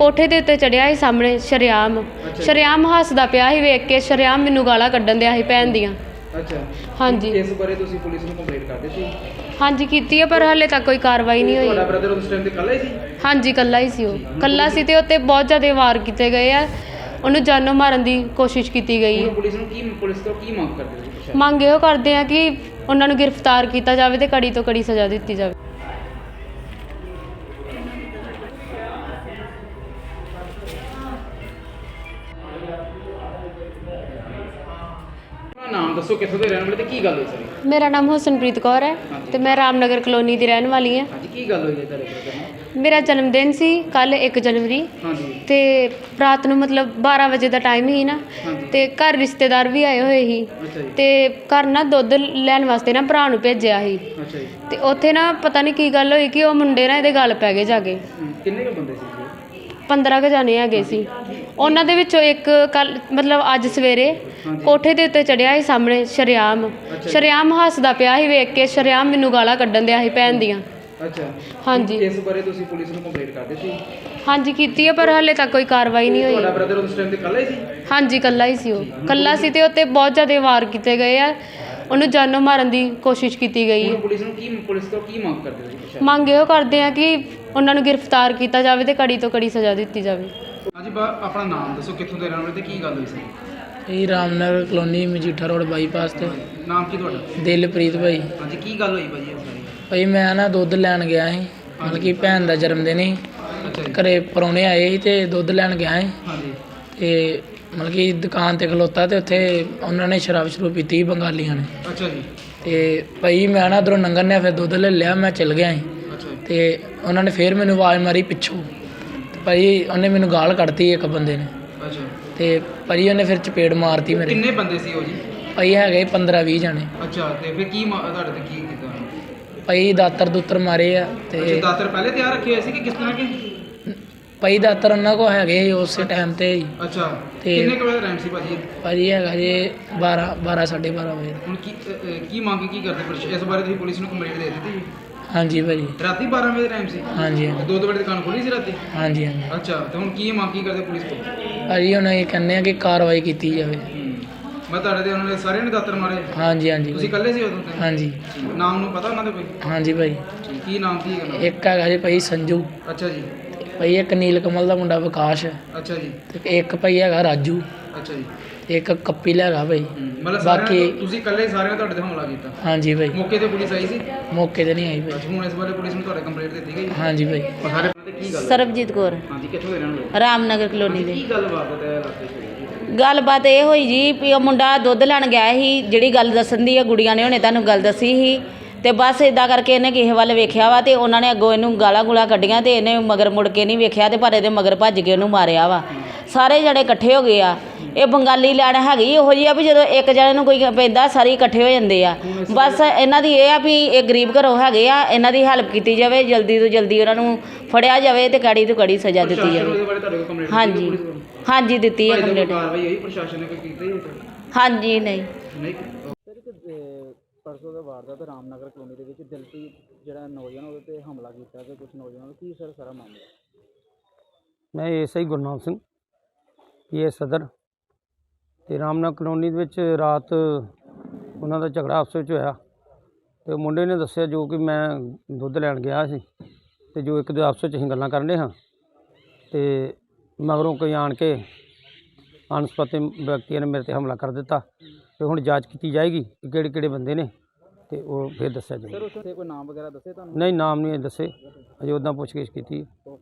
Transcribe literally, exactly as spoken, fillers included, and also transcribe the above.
ਕੋਠੇ ਦੇ ਉੱਤੇ ਚੜਿਆ ਸੀ ਸਾਹਮਣੇ ਸ਼ਰੇਆਮ ਸ਼ਰੇਆਮ ਹੱਸਦਾ ਪਿਆ ਸੀ ਵੇਖ ਕੇ ਸ਼ਰੇਆਮ ਮੈਨੂੰ ਗਾਲਾਂ ਕੱਢਣ ਦਿਆ ਸੀ ਭੈਣ ਦੀਆਂ। ਅੱਛਾ ਹਾਂਜੀ ਇਸ ਬਾਰੇ ਤੁਸੀਂ ਪੁਲਿਸ ਨੂੰ ਕੰਪਲੇਂਟ ਕਰ ਦਿੱਤੀ? ਹਾਂਜੀ ਕੀਤੀ ਹੈ ਪਰ ਹਾਲੇ ਤੱਕ ਕੋਈ ਕਾਰਵਾਈ ਨਹੀਂ ਤੁਹਾਡਾ ਹੋਈ। ਬ੍ਰਦਰ ਉਸ ਟਾਈਮ ਤੇ ਇਕੱਲਾ ਹੀ ਸੀ? ਹਾਂਜੀ ਕੱਲਾ ਹੀ ਸੀ, ਉਹ ਕੱਲਾ ਸੀ ਤੇ ਉੱਤੇ ਬਹੁਤ ਜ਼ਿਆਦਾ ਵਾਰ ਕੀਤੇ ਗਏ ਆ, ਉਹਨੂੰ ਜਾਨੋਂ ਮਾਰਨ ਦੀ ਕੋਸ਼ਿਸ਼ ਕੀਤੀ ਗਈ ਹੁਣ ਹੈ। ਪੁਲਿਸ ਨੂੰ ਕੀ ਪੁਲਿਸ ਤੋਂ ਕੀ ਮੰਗ ਕਰਦੇ ਹੋ ਤੁਸੀਂ? ਮੰਗ ਇਹੋ ਕਰਦੇ ਆ ਕਿ ਉਹਨਾਂ ਨੂੰ ਗ੍ਰਿਫਤਾਰ ਕੀਤਾ ਜਾਵੇ ਤੇ ਕੜੀ ਤੋਂ ਕੜੀ ਸਜ਼ਾ ਦਿੱਤੀ ਜਾਵੇ। ਆਪਣਾ ਨਾਮ ਦੱਸੋ, ਕਿੱਥੋਂ ਦੇ ਰਹਿਣ ਵਾਲੇ ਤੇ ਕੀ ਗੱਲ ਹੋਈ ਸਾਰੀ? ਮੇਰਾ ਨਾਮ ਹੁਸਨਪ੍ਰੀਤ ਕੌਰ ਹੈ ਤੇ ਮੈਂ ਰਾਮਨਗਰ ਕਲੋਨੀ ਦੀ ਰਹਿਣ ਵਾਲੀ ਹਾਂ। ਹਾਂਜੀ ਕੀ ਗੱਲ ਹੋਈ ਹੈ ਤੁਹਾਡੇ ਬ੍ਰਦਰ ਨਾਲ? ਮੇਰਾ ਜਨਮ ਦਿਨ ਸੀ ਕੱਲ੍ਹ ਇੱਕ ਜਨਵਰੀ ਹਾਂਜੀ ਤੇ ਰਾਤ ਨੂੰ ਮਤਲਬ ਬਾਰਾਂ ਵਜੇ ਦਾ ਟਾਈਮ ਹੀ ਨਾ ਹਾਂਜੀ ਤੇ ਘਰ ਰਿਸ਼ਤੇਦਾਰ ਵੀ ਆਏ ਹੋਏ ਸੀ ਅੱਛਾ ਜੀ ਤੇ ਘਰ ਨਾ ਦੁੱਧ ਲੈਣ ਵਾਸਤੇ ਨਾ ਭਰਾ ਨੂੰ ਭੇਜਿਆ ਸੀ ਅੱਛਾ ਜੀ ਤੇ ਉੱਥੇ ਨਾ ਪਤਾ ਨਹੀਂ ਕੀ ਗੱਲ ਹੋਈ ਕਿ ਉਹ ਮੁੰਡੇ ਨਾ ਇਹਦੇ ਗਲ ਪੈ ਗਏ ਜਾ ਕੇ। ਹਮ, ਕਿੰਨੇ ਕੁ ਬੰਦੇ ਸੀ ਜੀ? ਪੰਦਰਾਂ ਕੁ ਜਾਣੇ ਹੈਗੇ ਸੀ, ਉਹਨਾਂ ਦੇ ਵਿੱਚੋਂ ਇੱਕ ਕੱਲ ਮਤਲਬ ਅੱਜ ਸਵੇਰੇ ਹਾਂਜੀ ਕੋਠੇ ਦੇ ਉੱਤੇ ਚੜਿਆ ਸੀ ਸਾਹਮਣੇ ਸ਼ਰੇਆਮ ਅੱਛਾ ਜੀ। ਸ਼ਰੇਆਮ ਹੱਸਦਾ ਪਿਆ ਸੀ ਵੇਖ ਕੇ ਸ਼ਰੇਆਮ ਮੈਨੂੰ ਗਾਲਾਂ ਕੱਢਣ ਦਿਆ ਸੀ ਭੈਣ ਦੀਆਂ। ਅੱਛਾ ਹਾਂਜੀ ਇਸ ਬਾਰੇ ਤੁਸੀਂ ਪੁਲਿਸ ਨੂੰ ਕੰਪਲੇਂਟ ਕਰ ਦਿੱਤੀ? ਹਾਂਜੀ ਕੀਤੀ ਹੈ ਪਰ ਹਾਲੇ ਤੱਕ ਕੋਈ ਕਾਰਵਾਈ ਨਹੀਂ ਹੋਈ। ਤੁਹਾਡਾ ਬ੍ਰਦਰ ਉਸ ਟਾਈਮ ਤੇ ਇਕੱਲਾ ਹੀ ਸੀ? ਹਾਂਜੀ ਕੱਲਾ ਹੀ ਸੀ, ਉਹ ਕੱਲਾ ਸੀ ਤੇ ਉੱਤੇ ਬਹੁਤ ਜ਼ਿਆਦਾ ਵਾਰ ਕੀਤੇ ਗਏ ਆ, ਉਹਨੂੰ ਜਾਨੋਂ ਮਾਰਨ ਦੀ ਕੋਸ਼ਿਸ਼ ਕੀਤੀ ਗਈ ਹੁਣ ਹੈ। ਪੁਲਿਸ ਨੂੰ ਕੀ ਪੁਲਿਸ ਤੋਂ ਕੀ ਮੰਗ ਕਰਦੇ ਹੋ ਤੁਸੀਂ? ਮੰਗ ਇਹੋ ਕਰਦੇ ਆ ਕਿ ਉਹਨਾਂ ਨੂੰ ਗ੍ਰਿਫਤਾਰ ਕੀਤਾ ਜਾਵੇ ਤੇ ਕੜੀ ਤੋਂ ਕੜੀ ਸਜ਼ਾ ਦਿੱਤੀ ਜਾਵੇ। ਹਾਂਜੀ ਬਾ ਆਪਣਾ ਨਾਮ ਦੱਸੋ, ਕਿੱਥੋਂ ਦੇ ਰਹਿਣ ਵਾਲੇ ਤੇ ਕੀ ਗੱਲ ਹੋਈ ਸੀ? ਇਹ Ramnagar colony Majitha road bypass ਤੇ। ਨਾਮ ਕੀ ਤੁਹਾਡਾ? ਦਿਲਪ੍ਰੀਤ ਭਾਈ। ਹਾਂਜੀ ਕੀ ਗੱਲ ਹੋਈ ਭਾਜੀ ਇਸ ਬਾਰੇ? ਭਾਈ ਮੈਂ ਨਾ ਦੁੱਧ ਲੈਣ ਗਿਆ ਸੀ, ਮਤਲਬ ਕਿ ਭੈਣ ਦਾ ਜਨਮ ਦਿਨ ਸੀ, ਅੱਛਾ ਜੀ ਘਰੇ ਪਰੌਣੇ ਆਏ ਸੀ ਤੇ ਦੁੱਧ ਲੈਣ ਗਿਆ ਸੀ ਹਾਂਜੀ ਤੇ ਮਤਲਬ ਕਿ ਦੁਕਾਨ ਤੇ ਖਲੋਤਾ ਤੇ ਉੱਥੇ ਉਹਨਾਂ ਨੇ ਸ਼ਰਾਬ ਸ਼ਰੂਬ ਪੀਤੀ ਸੀ ਬੰਗਾਲੀਆਂ ਨੇ। ਅੱਛਾ ਜੀ ਤੇ ਭਾਈ ਮੈਂ ਨਾ ਉੱਧਰੋਂ ਲੰਘਣ ਨੇ ਫਿਰ ਦੁੱਧ ਲੈ ਲਿਆ, ਮੈਂ ਚਲ ਗਿਆ ਸੀ ਅੱਛਾ ਜੀ ਤੇ ਉਹਨਾਂ ਨੇ ਫਿਰ ਮੈਨੂੰ ਆਵਾਜ਼ ਮਾਰੀ ਪਿੱਛੋਂ ਤੇ ਭਾਈ ਉਹਨੇ ਮੈਨੂੰ ਗਾਲ ਕੱਢਤੀ ਇੱਕ ਬੰਦੇ ਨੇ ਅੱਛਾ ਤੇ ਭਾਈ ਉਹਨੇ ਫਿਰ ਚਪੇੜ ਮਾਰਤੀ ਮੇਰੇ। ਕਿੰਨੇ ਬੰਦੇ ਸੀ ਉਹ ਜੀ? ਭਾਈ ਹੈਗੇ ਪੰਦਰਾਂ ਵੀਹ ਜਾਣੇ। ਅੱਛਾ ਤੇ ਫਿਰ ਕੀ ਮਾ- ਤੁਹਾਡੇ ਤੇ ਕੀ ਕੀਤਾ? ਭਾਈ ਦਾਤਰ ਦੁੱਤਰ ਮਾਰੇ ਆ ਅੱਛਾ ਤੇ ਦਾਤਰ ਪਹਿਲੇ ਤਿਆਰ ਰੱਖੇ ਹੋਏ ਸੀ ਕਿ ਕਿਸ ਤਰ੍ਹਾਂ ਕਿ? ਭਾਈ ਦਾਤਰ ਉਹਨਾਂ ਕੋ ਹੈਗੇ ਸੀ ਉਸੇ ਟਾਈਮ ਤੇ ਹੀ। ਅੱਛਾ ਤੇ- ਕਿੰਨੇ ਕੁ ਵਜੇ ਦਾ ਟਾਈਮ ਸੀ ਭਾਜੀ? ਭਾਜੀ ਹੈਗਾ ਜੇ ਬਾਰਾਂ ਬਾਰਾਂ ਸਾਢੇ ਬਾਰਾਂ ਵਜੇ। ਹੁਣ ਕੀ ਅ, ਅ, ਕੀ ਮੰਗ ਕੀ ਕਰਦੇ ਪ੍ਰਸ਼- ਇਸ ਬਾਰੇ ਤੁਸੀਂ ਪੁਲਿਸ ਨੂੰ ਕੰਪਲੇਂਟ ਦੇ ਦਿੱਤੀ ਜੀ? ਹਾਂਜੀ ਭਾਜੀ। ਰਾਤੀ ਬਾਰਾਂ ਵਜੇ ਦਾ ਟਾਈਮ ਸੀ? ਹਾਂਜੀ ਤੇ ਹਾਂਜੀ ਦੋ ਦੋ ਵਜੇ ਦੁਕਾਨ ਖੁੱਲੀ ਸੀ ਰਾਤੀ? ਹਾਂਜੀ ਹਾਂਜੀ ਅੱਛਾ ਤੇ ਹੁਣ ਕੀ ਮੰਗ ਕੀ ਕਰਦੇ ਪੁਲਿਸ ਕੋਲ? ਭਾਜੀ ਹੁਣ ਇਹ ਕਹਿੰਦੇ ਆ ਕਿ ਕਾਰਵਾਈ ਕੀਤੀ ਜਾਵੇ। ਮੈਂ ਤੁਹਾਡੇ ਤੇ ਉਹਨਾਂ ਨੇ ਸਾਰਿਆਂ ਨੇ ਦਾਤਰ ਮਾਰੇ? ਹਾਂਜੀ ਹਾਂਜੀ ਤੁਸੀਂ ਭਾਈ। ਇਕੱਲੇ ਸੀ ਉਦੋਂ ਤੇ? ਹਾਂਜੀ ਨਾਮ ਨੂੰ ਪਤਾ ਉਹਨਾਂ ਦੇ ਕੋਈ? ਹਾਂਜੀ ਭਾਈ। ਕੀ ਨਾਮ ਕੀ ਹੈਗਾ? ਇੱਕ ਹੈਗਾ ਜੀ ਭਾਈ ਸੰਜੂ, ਅੱਛਾ ਜੀ ਭਾਈ ਇੱਕ ਨੀਲ ਕਮਲ ਦਾ ਮੁੰਡਾ ਵਿਕਾਸ ਹੈ ਅੱਛਾ ਜੀ ਤੇ ਇੱਕ ਭਾਈ ਹੈਗਾ ਰਾਜੂ ਅੱਛਾ ਜੀ ਤੇ ਇੱਕ ਕੱਪੀ ਹੈਗਾ ਭਾਈ। ਮਤਲਬ ਸਾਰਿਆਂ ਬਾਕੀ- ਨੇ- ਤੁਸੀਂ ਇਕੱਲੇ ਸਾਰਿਆਂ ਨੇ ਤੁਹਾਡੇ ਤੇ ਹਮਲਾ ਕੀਤਾ? ਹਾਂਜੀ ਭਾਈ। ਮੌਕੇ ਤੇ ਪੁਲਿਸ ਆਈ ਸੀ? ਮੌਕੇ ਤੇ ਨਹੀਂ ਆਈ ਭਾਈ। ਅੱਛਾ ਹੁਣ ਇਸ ਬਾਰੇ ਪੁਲਿਸ ਨੂੰ ਤੁਹਾਡੇ ਕੰਪਲੇਂਟ ਦਿੱਤੀ ਗਈ? ਹਾਂਜੀ ਭਾਈ। ਸਾਰੇ ਤੇ ਕੀ ਗੱਲ? ਸਰਬਜੀਤ ਕੌਰ, ਹਾਂਜੀ ਕਿੱਥੋਂ ਦੇ ਰਹਿਣ ਵਾਲੇ? ਰਾਮਨਗਰ ਕਲੋਨੀ ਦੇ। ਕੀ ਗੱਲ ਬਾਤ ਹੈ ਇਲਾਕੇ 'ਚ? ਗੱਲਬਾਤ ਇਹ ਹੋਈ ਜੀ ਵੀ ਉਹ ਮੁੰਡਾ ਦੁੱਧ ਲੈਣ ਗਿਆ ਸੀ, ਜਿਹੜੀ ਗੱਲ ਦੱਸਣ ਦੀ ਆ ਗੁੜੀਆਂ ਨੇ ਹੁਣੇ ਤੁਹਾਨੂੰ ਗੱਲ ਦੱਸੀ ਸੀ ਤੇ ਬਸ ਇਦਾਂ ਕਰਕੇ ਇਹਨੇ ਕਿਸੇ ਵੱਲ ਵੇਖਿਆ ਵਾ ਤੇ ਉਹਨਾਂ ਨੇ ਅੱਗੋਂ ਇਹਨੂੰ ਗਾਲਾਂ ਗੁਲਾ ਕੱਢੀਆਂ ਤੇ ਇਹਨੇ ਮਗਰ ਮੁੜ ਕੇ ਨਹੀਂ ਵੇਖਿਆ ਤੇ ਪਰ ਇਹਦੇ ਮਗਰ ਭੱਜ ਕੇ ਉਹਨੂੰ ਮਾਰਿਆ ਵਾ। ਸਾਰੇ ਜਣੇ ਇਕੱਠੇ ਹੋ ਗਏ ਆ। ਇਹ ਬੰਗਾਲੀ ਲੈਣ ਹੈਗੀ ਇਹੋ ਜਿਹੀ ਆ ਵੀ ਜਦੋਂ ਇੱਕ ਜਣੇ ਨੂੰ ਕੋਈ ਪੈਂਦਾ ਸਾਰੇ ਇਕੱਠੇ ਹੋ ਜਾਂਦੇ ਆ। ਬਸ ਇਹਨਾਂ ਦੀ ਇਹ ਆ ਵੀ ਇਹ ਗਰੀਬ ਘਰੋਂ ਹੈਗੇ ਆ, ਇਹਨਾਂ ਦੀ ਹੈਲਪ ਕੀਤੀ ਜਾਵੇ, ਜਲਦੀ ਤੋਂ ਜਲਦੀ ਉਹਨਾਂ ਨੂੰ ਫੜਿਆ ਜਾਵੇ ਤੇ ਕੜੀ ਤੋਂ ਕੜੀ ਸਜ਼ਾ ਦਿੱਤੀ ਪ੍ਰਸ਼ਾਸਨ ਜਾਵੇ। ਉਹਦੇ ਬਾਰੇ ਤੁਹਾਡੇ ਕੋਲ ਕੰਪਲੇਂਟ ਹਾਂਜੀ ਪੁਲਿਸ ਕੋਲ? ਹਾਂਜੀ ਦਿੱਤੀ ਹੈ ਭਾਈ ਜਦੋਂ ਕੰਪਲੇਂਟ। ਕਾਰਵਾਈ ਹੋਈ ਪ੍ਰਸ਼ਾਸਨ ਨੇ ਕੋਈ ਕੀਤਾ ਹੀ ਹੋਇਆ? ਹਾਂਜੀ ਨਹੀਂ ਨਹੀਂ ਪਰਸੋਂ ਦਾ ਵਾਰਦਾਤ ਰਾਮਨਗਰ ਕਲੋਨੀ ਦੇ ਵਿੱਚ ਦਿਲਪ੍ਰੀਤ ਜਿਹੜਾ ਨੌਜਵਾਨ ਉਹਦੇ ਤੇ ਹਮਲਾ ਕੀਤਾ ਤੇ ਕੁਝ ਨੌਜਵਾਨਾਂ ਕੀ ਸਰ ਸਾਰਾ ਮਾਮਲਾ? ਮੈਂ ਐਸਆਈ ਗੁਰਨਾਮ ਸਿੰਘ ਪੀਏ ਸਦਰ ਤੇ ਰਾਮਨਗਰ ਕਲੋਨੀ ਦੇ ਵਿੱਚ ਰਾਤ ਉਹਨਾਂ ਦਾ ਝਗੜਾ ਆਪਸ ਵਿੱਚ ਹੋਇਆ ਤੇ ਮੁੰਡੇ ਨੇ ਦੱਸਿਆ ਜੋ ਕਿ ਮੈਂ ਦੁੱਧ ਲੈਣ ਗਿਆ ਸੀ ਤੇ ਜੋ ਇੱਕ ਦੇ ਆਪਸ ਵਿੱਚ ਅਸੀਂ ਗੱਲਾਂ ਕਰਨ ਰਹੇ ਹਾਂ ਤੇ ਮਗਰੋਂ ਕੋਈ ਆਣ ਕੇ ਅਣਸੁਖਾਵੇ ਵਿਅਕਤੀਆਂ ਨੇ ਮੇਰੇ ਤੇ ਹਮਲਾ ਕਰ ਦਿੱਤਾ ਤੇ ਹੁਣ ਜਾਂਚ ਕੀਤੀ ਜਾਏਗੀ ਕਿ ਕਿਹੜੇ ਕਿਹੜੇ ਬੰਦੇ ਨੇ ਤੇ ਉਹ ਫਿਰ ਦੱਸਿਆ ਜਾਏਗਾ। ਸਰ ਉੱਥੇ ਕੋਈ ਨਾਮ ਵਗੈਰਾ ਦੱਸੇ ਤੁਹਾਨੂੰ? ਨਹੀਂ ਨਾਮ ਨਹੀਂ ਦੱਸੇ, ਅਜੇ ਉੱਦਾਂ ਪੁੱਛਗਿੱਛ ਕੀਤੀ।